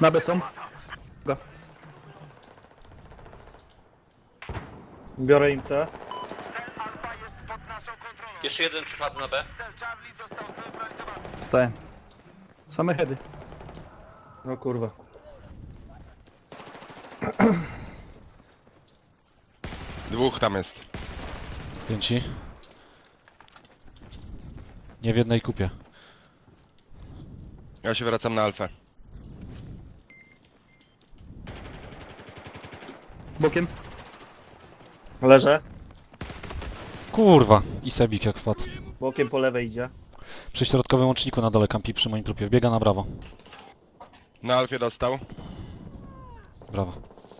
Na B są. Go. Biorę im te. Jeszcze jeden przychodzę na B. Staję. Same heady. No kurwa. Dwóch tam jest. Zdjęci. Nie w jednej kupie. Ja się wracam na alfę. Bokiem. Leżę. Kurwa! I Sebik jak wpadł. Bokiem po lewej idzie. Przy środkowym łączniku na dole kampi przy moim trupie. Biega na brawo. Na alfie dostał. Brawo.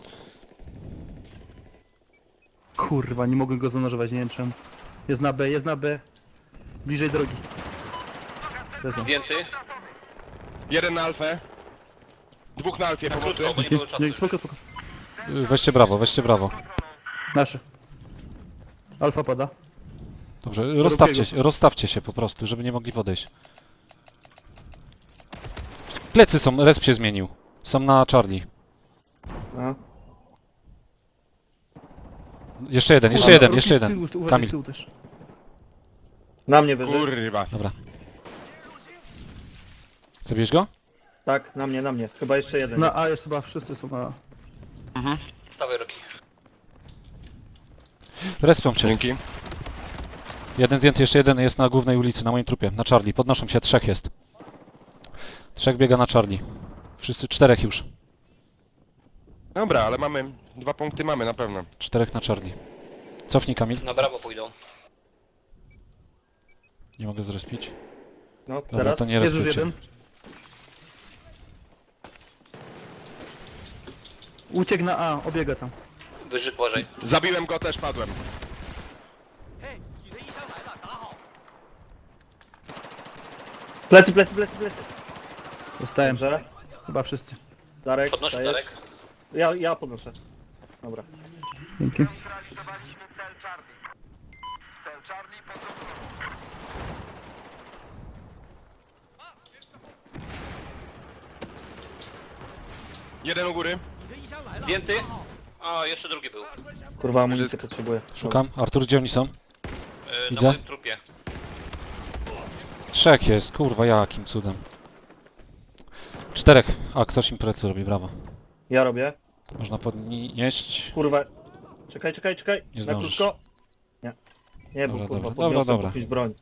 Kurwa, nie mogę go zanurzować, nie wiem czemu. Jest na B, jest na B. Bliżej drogi. Leżą. Zdjęty. Jeden na alfę. Dwóch na alfie pomocy. Krótko, bo nie było czasu Nie, już. spoko, spoko. Weźcie brawo, weźcie brawo. Nasze. Alfa pada. Dobrze, Drugiego. rozstawcie się po prostu, żeby nie mogli podejść. Plecy są, resp się zmienił. Są na Charlie. No. Jeszcze jeden, jeszcze Kurwa, jeden, ruki jeszcze z jeden. tyłu, uważaj z Kamil. tyłu też. Na mnie wyżej. Kurwa. Dobra. Zabierz go? Tak, na mnie. Chyba jeszcze jeden. Na A jest chyba wszyscy są na A. Stawaj Roki. Respią cię. Dzięki. Jeden zdjęty, jeszcze jeden jest na głównej ulicy, na moim trupie, na Charlie. Podnoszą się, trzech jest. Trzech biega na Charlie. Wszyscy, czterech już. Dobra, ale mamy... 2 punkty mamy na pewno. Czterech na Charlie. Cofnij Kamil. Na brawo pójdą. Nie mogę zrespić. No, Dobra, teraz. to nie Jest już respicie. jeden. Uciekł na A, obiega tam. Wyżyk uważaj. Zabiłem go, też padłem. Plecy. Dostałem. Dobrze. Chyba wszyscy. Darek, Podnoszę dajesz? Darek. Ja podnoszę. Dobra. Dzięki. Jeden u góry. Zdjęty. A, jeszcze drugi był. Kurwa, amunicję potrzebuję. Szukam. Artur, gdzie oni są? Na Widzę. moim trupie. Trzech jest, kurwa, jakim cudem. Czterech. A, ktoś im plecy robi, brawo. Ja robię. Można podnieść. Kurwa. Czekaj. Nie Na zdążysz. krótko. Nie. Nie, bo Dobra, kurwa, dobra, podniosłem dobra. jakąś broń.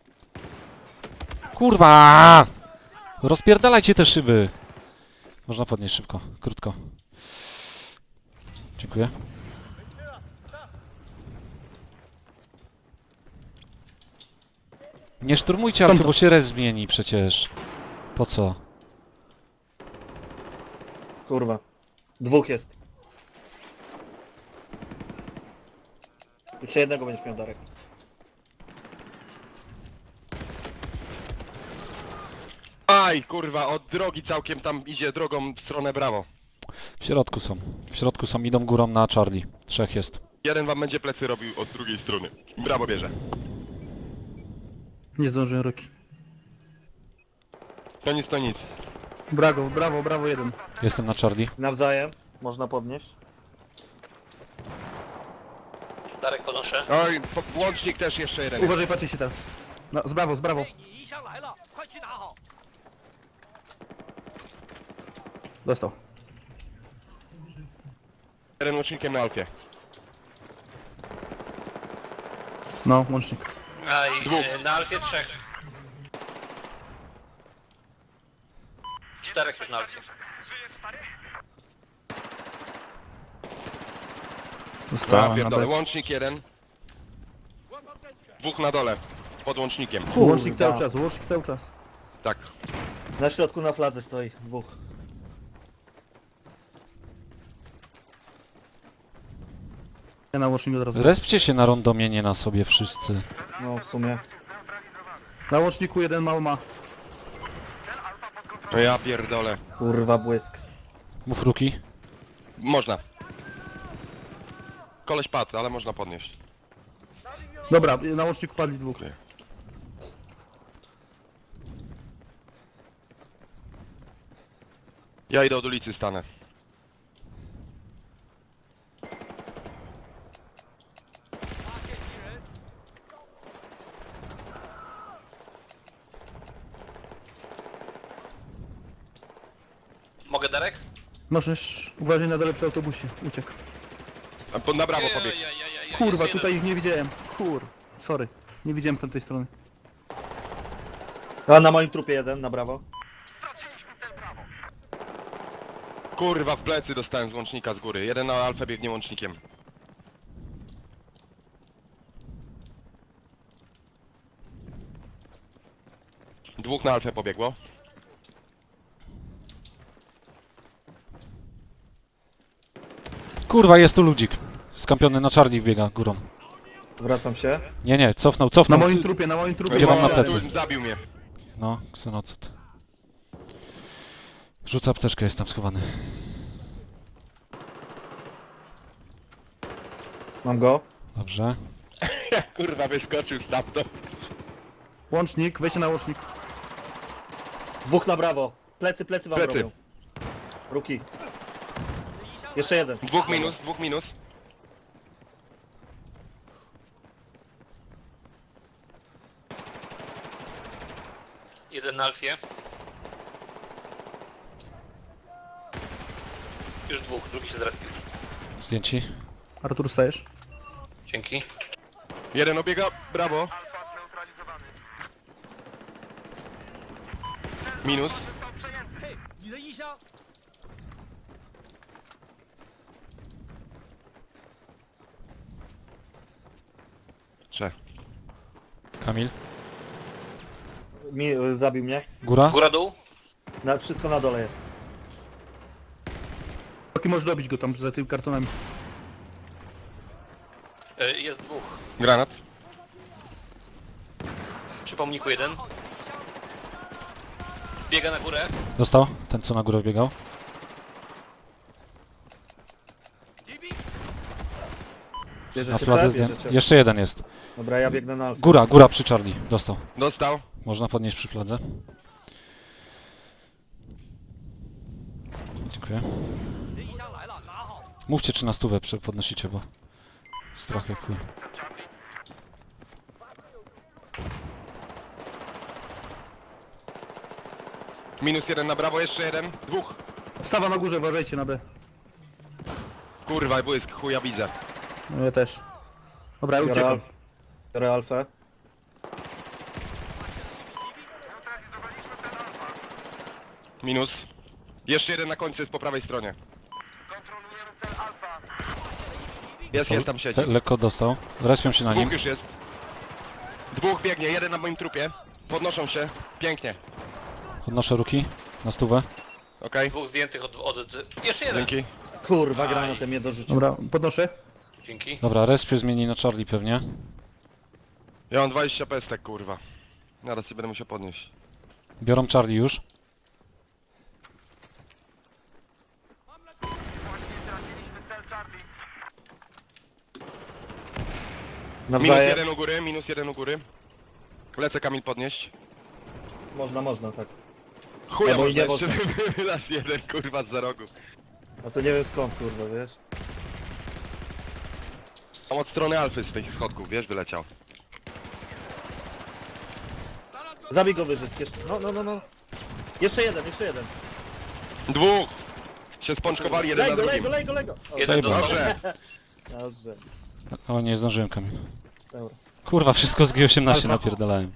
Kurwa! Rozpierdalajcie te szyby! Można podnieść szybko, krótko. Dziękuję. Nie szturmujcie Są auto, to. bo się res zmieni przecież. Po co? Kurwa. Dwóch jest. Jeszcze jednego będziesz miał, Darek. Aj, kurwa, od drogi całkiem tam idzie drogą w stronę brawo. W środku są. W środku są, idą górą na Charlie. Trzech jest. Jeden wam będzie plecy robił od drugiej strony. Brawo bierze. Nie zdążyłem Roki. To nic. Brawo jeden. Jestem na Charlie. Nawzajem. Można podnieść. Darek podnoszę. Oj, łącznik też jeszcze jeden. Uważaj, patrzcie się teraz. No, z brawo. 敌已上来了，快去拿好！ Dostał. Jeden łącznikiem na alfie. No, łącznik. A i na Alfie trzech. Czterech już na Alfie. Ja Dostałem na pierdolę, B. łącznik jeden. Dwóch na dole. Pod łącznikiem. Łącznik Kurwa. cały czas. Tak. Na środku na fladze stoi. Dwóch. Ja na łącznik od razu. Respcie się na rondomie, nie na sobie wszyscy. No, w sumie. Na łączniku jeden mało ma. To ja pierdolę. Kurwa, błysk. Mów Ruki. Można. Koleś padł, ale można podnieść. Dobra, na łączniku padli dwóch. Okej. Ja idę od ulicy, stanę. Mogę, Darek? Możesz, uważaj na dole przy autobusie, uciekł. Na brawo pobiegł. Kurwa, Jest tutaj jeden. ich nie widziałem. Sorry. Nie widziałem z tamtej strony. A na moim trupie jeden, na brawo. Kurwa, w plecy dostałem z łącznika z góry. Jeden na alfę biegnie łącznikiem. Dwóch na alfę pobiegło. Kurwa, jest tu ludzik. Skampiony na Charlie wbiega górą. Wracam się. Nie, cofnął. Na moim trupie, na moim trupie. Gdzie mam na plecy? Zabił mnie. No, ksenocet. Rzuca apteczkę, jest tam schowany. Mam go. Dobrze. Kurwa, wyskoczył stamtąd. Łącznik, wejdźcie na łącznik. Dwóch na brawo. Plecy wam Plecy. robią. Ruki. Jeszcze jeden. Dwóch minus. Jeden na Alfie. Już dwóch, drugi się zaraz pił. Zdjęci. Artur, stajesz? Dzięki. Jeden obiega, brawo. Minus. 你的衣箱， Trzech. Kamil. Zabił mnie. Góra. Góra, dół. Wszystko na dole jest. Taki możesz dobić go tam za tymi kartonami. Jest dwóch. Granat. Przy pomniku jeden. Biega na górę. Dostał. Ten co na górę wbiegał. Na Bierzecie fladze C? zdjęty. Bierzecie. Jeszcze jeden jest. Dobra, ja biegnę na alfę. Góra przy Charlie. Dostał. Dostał. Można podnieść przy fladze. Dziękuję. 你的衣箱来了，拿好。 Mówcie czy na stówę podnosicie, bo strach jak chuj. Minus jeden na brawo, jeszcze jeden. Dwóch. Stawa na górze, uważajcie na B. Kurwa, błysk, chuja widzę. No ja też. Dobra, ja Biorę, uciekam. biorę alfę. Minus. Jeszcze jeden na końcu jest po prawej stronie. Jest, tam siedzi. Lekko dostał. Respią się na nim. Dwóch już jest. Dwóch biegnie, jeden na moim trupie. Podnoszą się. Pięknie. Podnoszę ruki na stówę. Okej. Dwóch zdjętych Jeszcze jeden. Dzięki. Kurwa, granatem mnie dorzucił. Dobra, podnoszę. Dzięki. Dobra, respię zmieni na Charlie pewnie. Ja mam 20 pestek, kurwa. Zaraz się będę musiał podnieść. Biorą Charlie już. Minus Nawzajem. jeden u góry, minus jeden u góry. Lecę Kamil podnieść. Można, tak. Chuja Albo i można nie jeszcze wylas jeden, kurwa, z za rogu. A to nie wiem skąd, kurwa, wiesz? Tam od strony alfy z tych schodków, wiesz, wyleciał. Zabij go wyżyć, jeszcze. No. Jeszcze jeden. Dwóch! Się spączkowali jeden na drugim. Lej go. O, Jeden dostał. Dobrze. Dobrze. O, nie zdążyłem, Kamil. Dobra. Kurwa, wszystko z G18 napierdalałem.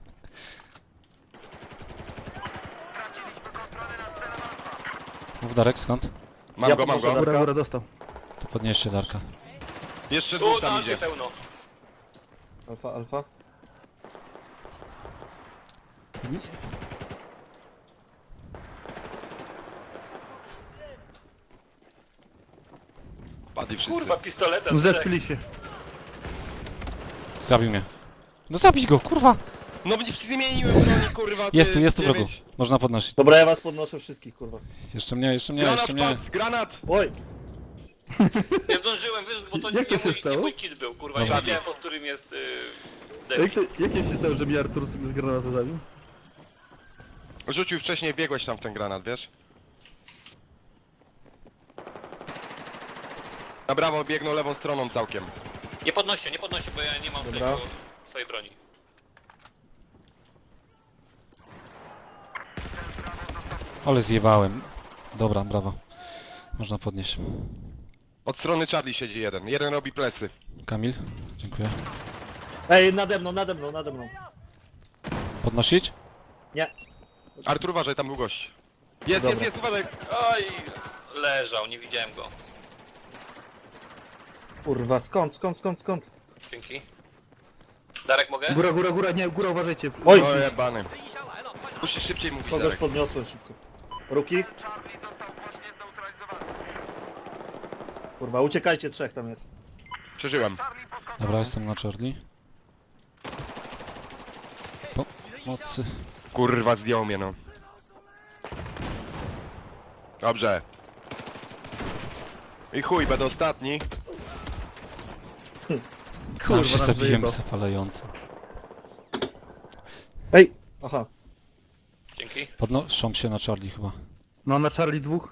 Mów Darek, skąd? Mam Ja go. podnoszę Góra, dostał. To podnieście Darka. Jeszcze Tu dwóch na tam Alfie idzie. pełno. Alfa. Padli wszyscy. Kurwa, pistoletem. Zdeszpili się. Zabił mnie. No zabić go, kurwa! No nie zmieniłem broni, kurwa. ty, Jest tu nie wrogu. wiesz. Można podnosić. Dobra, ja was podnoszę wszystkich, kurwa. Jeszcze mnie. Granat padł, granat! Oj! Nie zdążyłem, wiesz, bo to Jak to nie się mój, stało? nie mój kit był, kurwa. Nie Dobra. wiedziałem, pod którym jest Jak się stało, że mi Artur z granatu zabił? Rzucił wcześniej, biegłeś tam w ten granat, wiesz? Na brawo biegną lewą stroną całkiem. Nie podnoście, bo ja nie mam Dobra. swojej broni. Ale zjebałem. Dobra, brawo. Można podnieść. Od strony Charlie siedzi jeden. Jeden robi plecy. Kamil, dziękuję. Ej, nade mną. Podnosić? Nie. Artur, uważaj, tam był gość. Jest, Dobra. jest, uważaj. Oj, leżał, nie widziałem go. Kurwa, skąd? Dzięki. Darek, mogę? Góra, nie, góra uważajcie. Oj, O jebany. 敌一箱来了，快拿！ Musisz szybciej mówić, kogoś Darek. podniosłem szybko. Ruki? Kurwa, uciekajcie, trzech tam jest. Przeżyłem. Dobra, jestem na Charlie. Pomocy. Kurwa, zdjął mnie, no. Dobrze. I chuj, będę ostatni. Sam się nas zabiłem wyjebał. zapalający. Ej! Aha. Dzięki. Podnoszą się na Charlie chyba. No na Charlie 2.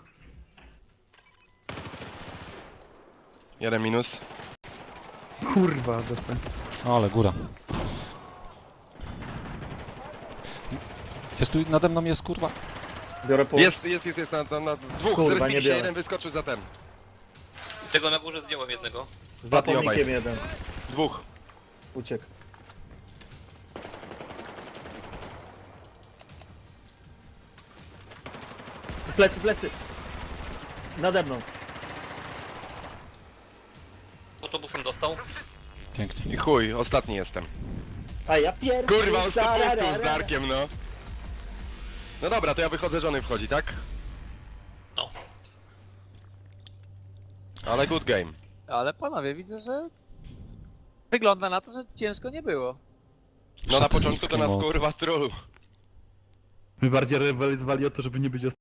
Jeden minus. Kurwa, dostałem. O, ale góra. Jest tu, nade mną jest kurwa. Biorę po... Jest, na dwóch. Kurwa, Zresztą nie się biorę. jeden wyskoczył za ten. Tego na górze zdjąłem jednego. Za Padli obaj. pomnikiem jeden. Dwóch. Uciekł. Plecy! Nade mną. Autobusem dostał. Pięknie. I chuj, ostatni jestem. A ja pierwszy! Kurwa, on 100 punktów z Tararara. Darkiem, no. No dobra, to ja wychodzę, żony wchodzi, tak? No. Ale good game. Ale panowie, widzę, że wygląda na to, że ciężko nie było. No na początku to Szatańskie nas moce. kurwa truł. My bardziej rywalizowali o to, żeby nie być